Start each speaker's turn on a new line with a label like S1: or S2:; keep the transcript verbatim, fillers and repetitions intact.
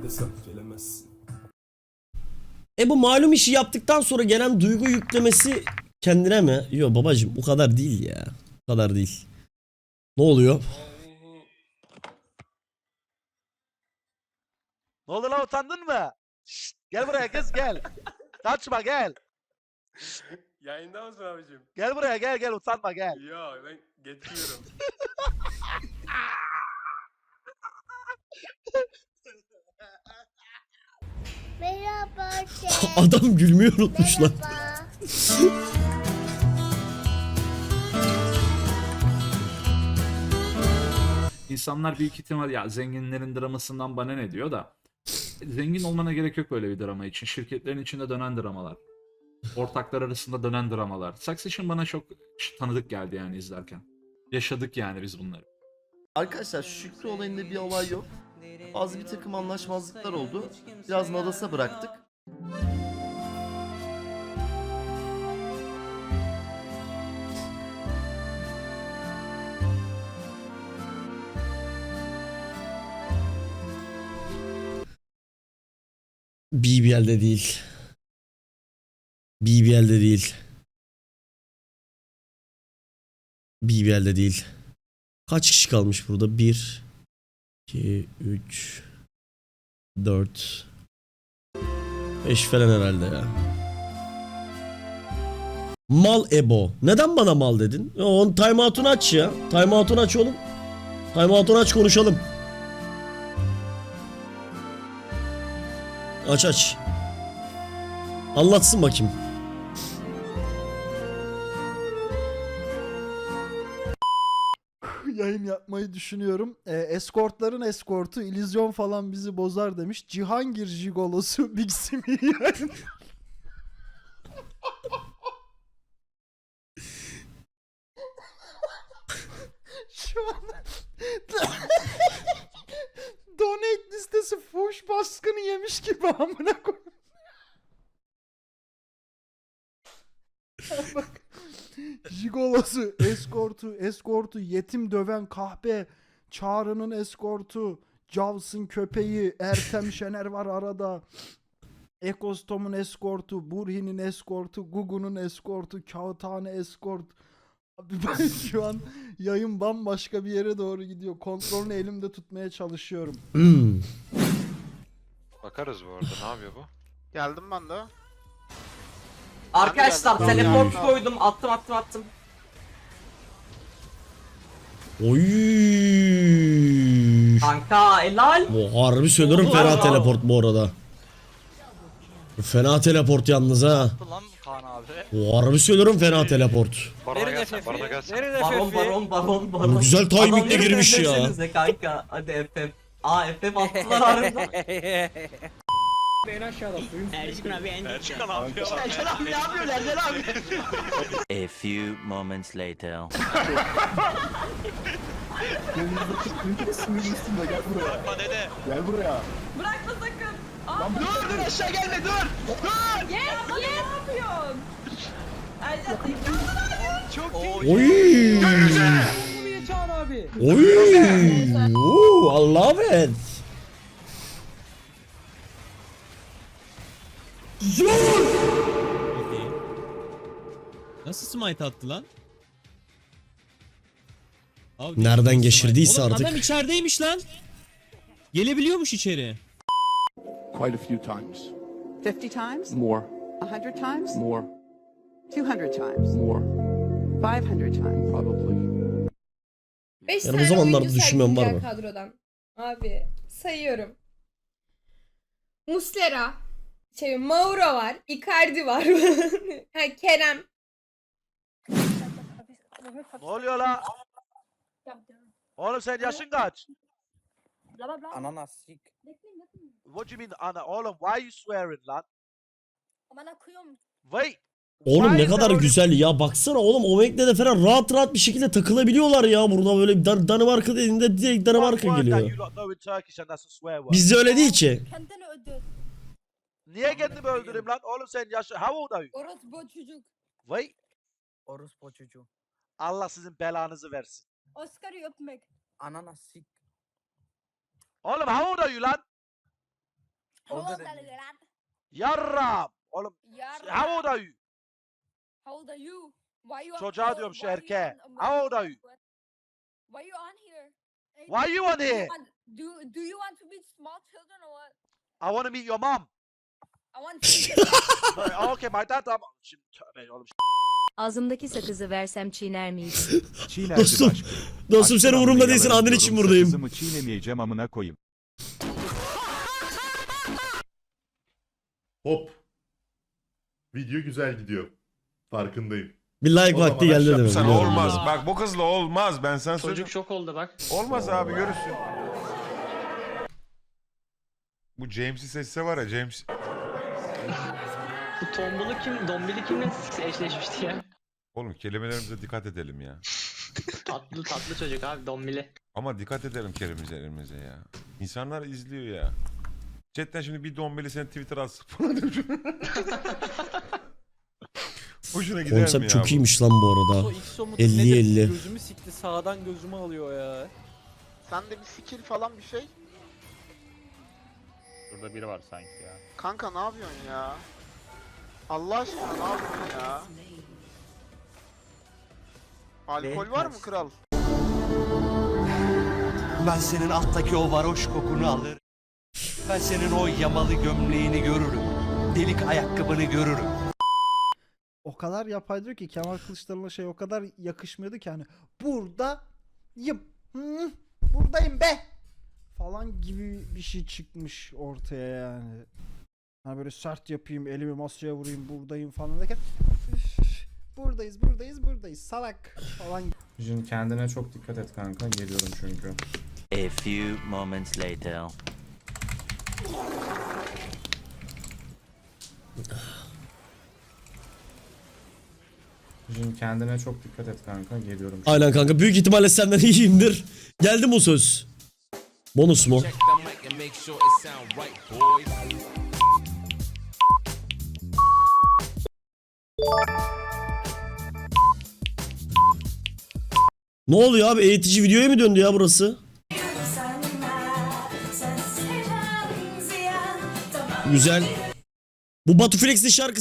S1: Maalesef gelemezsin.
S2: E bu malum işi yaptıktan sonra gelen duygu yüklemesi kendine mi? Yok babacım o kadar değil ya. O kadar değil. Ne oluyor?
S3: Ne oldu lan, utandın mı? Şşt, gel buraya kız gel. Kaçma gel.
S1: Yayında mısın abicim?
S3: Gel buraya gel gel, utanma gel.
S1: Yok ben getiriyorum.
S4: Merhaba
S2: Adam gülmeyi unutmuş lan.
S4: Merhaba.
S5: İnsanlar büyük ihtimal ya zenginlerin dramasından bana ne diyor da zengin olmana gerek yok böyle bir drama için. Şirketlerin içinde dönen dramalar. Ortaklar arasında dönen dramalar. Succession bana çok tanıdık geldi yani izlerken. Yaşadık yani biz bunları.
S6: Arkadaşlar Şükrü olayında bir olay yok. Bazı bir takım anlaşmazlıklar oldu. Biraz Nadas'a bıraktık.
S2: B B L'de değil. B B L'de değil. B B L'de değil. Kaç kişi kalmış burada? bir, iki, üç, dört, beş falan herhalde ya. Mal Ebo. Neden bana mal dedin? Ya onun timeout'unu aç ya. Timeout'unu aç oğlum. Timeout'unu aç konuşalım. Aç aç. Anlatsın bakayım.
S7: Yayın yapmayı düşünüyorum. E, eskortların eskortu illüzyon falan bizi bozar demiş. Cihangir jigolosu Big Simi yayın. Şu an donate listesi fuş baskını yemiş gibi amına koyayım. Bak. Jigolosu, eskortu, eskortu, yetim döven kahpe, Çağrı'nın eskortu, Cavs'ın köpeği, Ertem Şener var arada. Ekostom'un eskortu, Burhi'nin eskortu, Gugu'nun eskortu, Kağıthane eskort. Abi ben şu an yayın bambaşka bir yere doğru gidiyor. Kontrolünü elimde tutmaya çalışıyorum.
S2: Hmm.
S8: Bakarız bu arada. Ne yapıyor bu?
S3: Geldim ben de.
S9: Arkadaşlar
S3: Ben de geldim.
S9: teleport
S3: Tamam.
S9: koydum, attım attım attım.
S2: Oy.
S9: Kanka helal.
S2: Bu harbi söylüyorum fena
S9: Bravo.
S2: teleport bu arada. Bu fena teleport yalnız ha.
S3: Lan Kaan abi.
S2: Bu harbi söylüyorum fena teleport.
S8: Barona gelsin, barona gelsin.
S9: Baron baron baron baron.
S2: Bu güzel timing'le
S9: Adamları
S2: girmiş ya.
S9: dövmesenize kanka. Hadi F F. Aa F F attılar harbiden.
S3: Erçin abi ne yapıyor?
S9: Ercan abi ne yapıyor Ercan abi?
S10: A few moments later.
S8: Bakma dede.
S4: Bırakma sakın.
S3: Dur dur aşağı gelme dur.
S4: Yes yes. Ne yapıyorsun? Ercan
S3: Çok
S2: Oy. Oy. Oo, I love it.
S11: Nasıl smite attı lan? Abi,
S2: Nereden
S11: smite.
S2: geçirdiyse
S11: Oğlum
S2: artık.
S11: adam içerideymiş lan. Gelebiliyormuş içeri.
S1: Quite a few times.
S4: fifty times?
S1: More.
S4: one hundred times?
S1: More.
S4: two hundred times?
S1: More.
S4: five hundred times?
S1: Probably.
S4: beş
S2: Yani bu zamanlarda düşünmem var mı?
S4: kadrodan. Abi sayıyorum. Muslera, şey Mauro var, Icardi var. Ha, Kerem.
S3: Ne oluyor la? Oğlum sen yaşın kaç?
S9: Ananas.
S3: What do you mean ana? Oğlum why you swearing lan? Wait.
S2: Oğlum
S3: Why
S2: ne
S3: is
S2: kadar
S3: there only-
S2: güzel ya. Baksana oğlum Omegle'de falan rahat rahat bir şekilde takılabiliyorlar ya. Burada böyle Dan Danimarka dediğinde direkt
S3: One
S2: Danimarka
S3: word that
S2: geliyor.
S3: you lot know in Turkish and that's a swear word.
S2: Bizde öyle değil ki.
S3: Niye kendimi öldüreyim lan? Oğlum sen yaşın... How old are you?
S4: Orospu çocuk.
S3: Wait.
S9: Orospu çocuğu.
S3: Allah sizin belanızı versin.
S4: Oscar'ı öpmek.
S9: Ananas.
S3: Oğlum how old are you lan? Yarram. Oğlum how old are you?
S4: How old are you? Why you
S3: Çocuğa diyorum şu erkeğe. How old are you?
S4: Why you on here?
S3: Why you on here?
S4: Do do you want to meet small children or what?
S3: I want to meet your mom.
S4: I want to
S3: Okay my dad. Tamam. Şimdi tövbe oğlum.
S12: Ağzımdaki sakızı versem çiğner miyim?
S2: Dostum, dostum sen umurumda değilsin, annen için buradayım.
S13: Kızımı çiğnemeyeceğim amına koyayım.
S1: Hop. Video güzel gidiyor. Farkındayım.
S2: Bir like
S1: O
S2: vakti
S1: zaman
S2: geldi
S1: aşağı-
S2: dedim.
S1: Sana
S2: biliyorum,
S1: olmaz.
S2: biliyorum.
S1: Bak bu kızla olmaz. Ben sana söyleyeyim.
S9: Çocuk şok oldu bak.
S1: Olmaz abi görürsün. Bu James'i seçse var ya James.
S9: Bu tombulu kim, dombili kimle eşleşmişti ya?
S1: Oğlum kelimelerimize dikkat edelim ya.
S9: Tatlı tatlı çocuk abi, dombili.
S1: Ama dikkat edelim kelimelerimize ya. İnsanlar izliyor ya. Chatten şimdi bir dombeli sen Twitter'a atsın falan demiş. Hoşuna gider mi ya?
S2: Konsept çok
S1: bu?
S2: iyiymiş lan bu arada. elli elli.
S11: Gözümü sikti, sağdan gözümü alıyor ya.
S3: Sende bir skill falan bir şey.
S8: Burada biri var sanki ya.
S3: Kanka ne yapıyorsun ya? Allah aşkına ne yapıyorsun ya? Alkol var mı kral?
S10: Ben senin alttaki o varoş kokunu alır. Ben senin o yamalı gömleğini görürüm. Delik ayakkabını görürüm.
S7: O kadar yapay diyor ki Kemal Kılıçdaroğlu'na şey o kadar yakışmıyordu ki hani buradayım. Hı, buradayım be. Falan gibi bir şey çıkmış ortaya yani. Hani böyle sert yapayım, elimi masaya vurayım, buradayım falan derken üf, buradayız, buradayız, buradayız. Salak falan.
S13: Jin kendine çok dikkat et kanka. Geliyorum çünkü.
S10: A few moments later.
S13: Jin kendine çok dikkat et kanka. Geliyorum.
S2: Aynen kanka, büyük ihtimalle senden iyiyimdir. Geldi mi o söz? Bonus mu? Ne oluyor abi? Eğitici videoya mı döndü ya burası? Güzel. Bu Batu Flex'in şarkısı.